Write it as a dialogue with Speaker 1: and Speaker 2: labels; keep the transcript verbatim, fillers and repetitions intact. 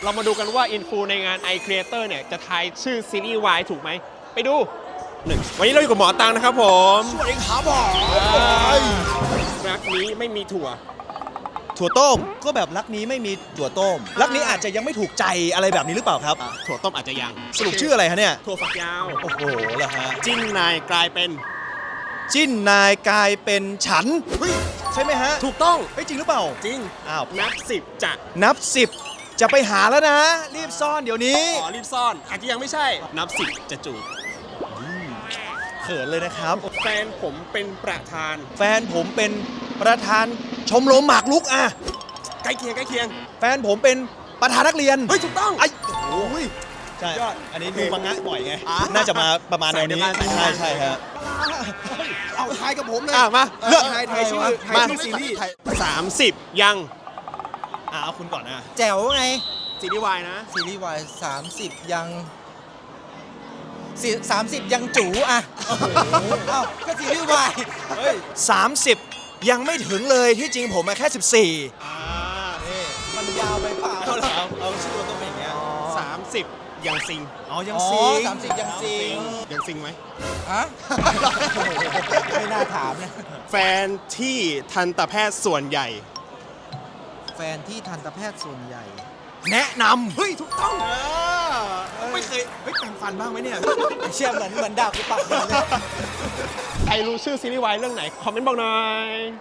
Speaker 1: เรามาดูกันว่าอินฟูในงาน i Creator เนี่ยจะทายชื่อซีรีส์วายถูกไหมไปดูหนึ่งวันนี้เราอยู่กับหมอตังนะครับผม
Speaker 2: สวัสดีครับหมอ
Speaker 1: รักนี้ไม่มีถั่ว
Speaker 2: ถั่วต้มก็แบบรักนี้ไม่มีถั่วต้มรักนี้อาจจะยังไม่ถูกใจอะไรแบบนี้หรือเปล่าครับ
Speaker 1: ถั่วต้มอาจจะยัง
Speaker 2: สรุปชื่ออะไรฮะเนี่ย
Speaker 1: ถั่วฝักยาว
Speaker 2: โอ้โหเหรอฮะ
Speaker 1: จิ้นนายกลายเป็น
Speaker 2: จิ้นนายกลายเป็นฉันเฮ้ยใช่ไหมฮะ
Speaker 1: ถูกต้อง
Speaker 2: เฮ้ยจริงหรือเปล่า
Speaker 1: จริง
Speaker 2: อ้าว
Speaker 1: นับสิบจะ
Speaker 2: นับสิบจะไปหาแล้วนะรีบซ่อนเดี๋ยวนี้
Speaker 1: อ๋อรีบซ่อนอาจจะยังไม่ใช่นับสิบจะจูบ
Speaker 2: เขินเลยนะครับ
Speaker 1: แฟนผมเป็นประธาน
Speaker 2: แฟนผมเป็นประธานชมรมหมากรุกอะ
Speaker 1: ใกล้เคียงใกล้เคียง
Speaker 2: แฟนผมเป็นประธานนักเรียน
Speaker 1: เฮ้ยถูกต้อง
Speaker 2: ไอ้โอ้ยใช่อันนี้ดูมังงะบ่อยไงน่าจะมาประมาณแนวนี้ใช่ใช่ฮะเอาทายกับผมเลย
Speaker 1: มาเลือก
Speaker 2: ทายทายชื่อ
Speaker 1: มา
Speaker 2: ซีรีส์
Speaker 1: สามสิบยัง
Speaker 2: อ่าเอาคุณก่อนนะ
Speaker 3: แจ๋วไง
Speaker 1: ซีรีส์วายนะ
Speaker 3: ซีรีส์วายสามสิบยังสามสิบยังจู๋อ่ะเอ้าก็ซีรีส์วาย
Speaker 2: เฮ้ยสามสิบยังไม่ถึงเลยที่จริงผมมาแค่สิบสี่
Speaker 1: อ่า
Speaker 3: นี่มันยาวไปเปล่า
Speaker 2: เอาเอาเอาชื่อตัวต้องเป็นอย่างเงี้ย
Speaker 1: สามสิบยังซิง
Speaker 2: อ๋อยังซิง
Speaker 3: สามสิบยังซิง
Speaker 1: ยังซิงไหม
Speaker 3: ฮะไม่น่าถามนะ
Speaker 1: แฟนที่ทันตแพทย์ส่วนใหญ่
Speaker 3: แฟนที่ทันตแพทย์ส่วนใหญ่
Speaker 2: แนะนำ
Speaker 1: เฮ้ยถูกต้อง
Speaker 2: ไม่เคยเฮ้ยแปรงฟันบ้างไหมเนี่ย
Speaker 3: เชื่อเหมือนเหมือนดาบกูปักเลย
Speaker 1: ใครรู้ชื่อซีรีส์วายเรื่องไหนคอมเมนต์บอกหน่อย